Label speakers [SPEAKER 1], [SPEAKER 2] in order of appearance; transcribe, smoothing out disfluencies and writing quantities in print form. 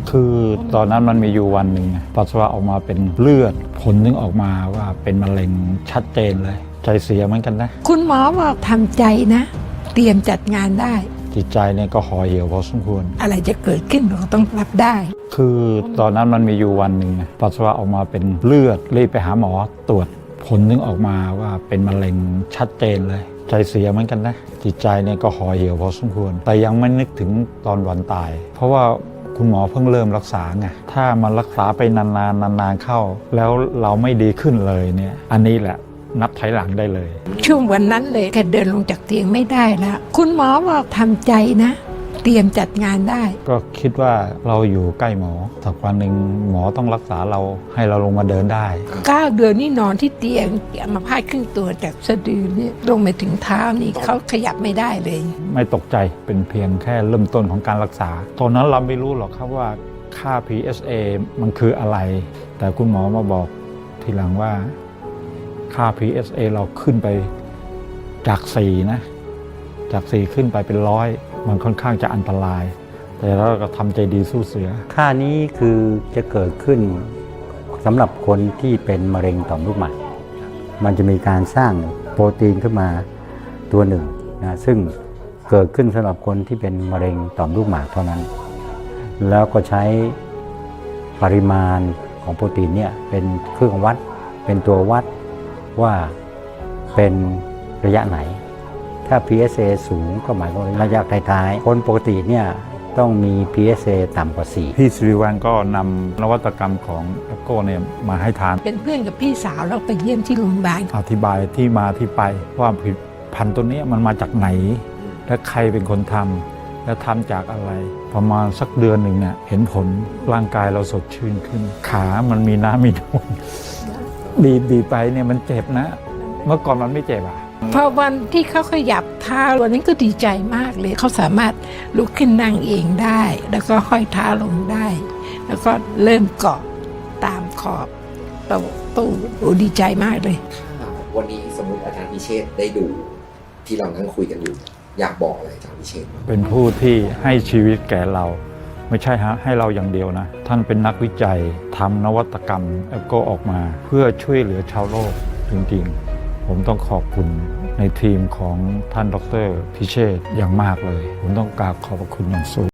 [SPEAKER 1] คือตอนนั้นมันมีอยู่วันหนึ่งปัสสาวะออกมาเป็นเลือดผลนึงออกมาว่าเป็นมะเร็งชัดเจนเลยใจเสียเหมือนกันนะ
[SPEAKER 2] คุณหมอบอกทำใจนะเตรียมจัดงานได้
[SPEAKER 1] จิตใจเนี่ยก็ห่อเหี่ยวพอสมควร
[SPEAKER 2] อะไรจะเกิดขึ้นเราต้องรับได้
[SPEAKER 1] คือตอนนั้นมันมีอยู่วันหนึ่งปัสสาวะออกมาเป็นเลือดรีบไปหาหมอตรวจผลนึงออกมาว่าเป็นมะเร็งชัดเจนเลยใจเสียเหมือนกันนะจิตใจเนี่ยก็ห่อเหี่ยวพอสมควรแต่ยังไม่นึกถึงตอนวันตายเพราะว่าคุณหมอเพิ่งเริ่มรักษาไงถ้ามันรักษาไปนานๆเข้าแล้วเราไม่ดีขึ้นเลยเนี่ยอันนี้แหละนับถอยหลังได้เลย
[SPEAKER 2] ช่วงวันนั้นเลยแกเดินลงจากเตียงไม่ได้แล้วคุณหมอบอกทำใจนะเตรียมจัดงานได้
[SPEAKER 1] ก็คิดว่าเราอยู่ใกล้หมอสักวันหนึ่งหมอต้องรักษาเราให้เราลงมาเดินได้
[SPEAKER 2] 9 เดือนนี่นอนที่เตียงอัมพาตครึ่งตัวจากสะดือนี่ลงไปถึงเท้านี่เขาขยับไม่ได้เลย
[SPEAKER 1] ไม่ตกใจเป็นเพียงแค่เริ่มต้นของการรักษาตอนนั้นเราไม่รู้หรอกครับว่าค่า PSA มันคืออะไรแต่คุณหมอมาบอกทีหลังว่าค่า PSA เราขึ้นไปจาก4นะจาก4ขึ้นไปเป็น100มันค่อนข้างจะอันตรายแต่เราก็ทำใจดีสู้เสือ
[SPEAKER 3] ค่านี้คือจะเกิดขึ้นสำหรับคนที่เป็นมะเร็งต่อมลูกหมากมันจะมีการสร้างโปรตีนขึ้นมาตัวหนึ่งนะซึ่งเกิดขึ้นสำหรับคนที่เป็นมะเร็งต่อมลูกหมากเท่านั้นแล้วก็ใช้ปริมาณของโปรตีนเนี่ยเป็นเครื่องวัดเป็นตัววัดว่าเป็นระยะไหนถ้า PSA สูงก็หมายความว่าระยะท้ายๆคนปกติเนี่ยต้องมี PSA ต่ำกว่า4
[SPEAKER 1] พี่สิริวัลย์ก็นำนวัตกรรมของแอปโก้เนี่ยมาให้ทาน
[SPEAKER 2] เป็นเพื่อนกับพี่สาวแล้วไปเยี่ยมที่โรงพยาบาล
[SPEAKER 1] อธิบายที่มาที่ไปว่าผลิตภัณฑ์ตัวนี้มันมาจากไหนและใครเป็นคนทำและทำจากอะไรประมาณสักเดือนหนึ่งเนี่ยเห็นผลร่างกายเราสดชื่นขึ้นขามันมีน้ำมีนวลบีบไปเนี่ยมันเจ็บนะเมื่อก่อนมันไม่เจ็บ
[SPEAKER 2] พอวันที่เขาขยับเท้าวันนั้นก็ดีใจมากเลยเขาสามารถลุกขึ้นนั่งเองได้แล้วก็ห้อยเท้าลงได้แล้วก็เริ่มเกาะตามขอบตู้ดีใจมากเลย
[SPEAKER 4] วันนี้สมมติอาจารย์พิเชษได้ดูที่เรานั่งคุยกันอยู่อยากบอกอะไรอาจารย์พิเชษ
[SPEAKER 1] เป็นผู้ที่ให้ชีวิตแก่เราไม่ใช่ให้เราอย่างเดียวนะท่านเป็นนักวิจัยทำนวัตกรรมแอปโก้ออกมาเพื่อช่วยเหลือชาวโลกจริงๆผมต้องขอบคุณในทีมของท่านดร.พิเชษฐ์อย่างมากเลยผมต้องกราบขอบพระคุณอย่างสูง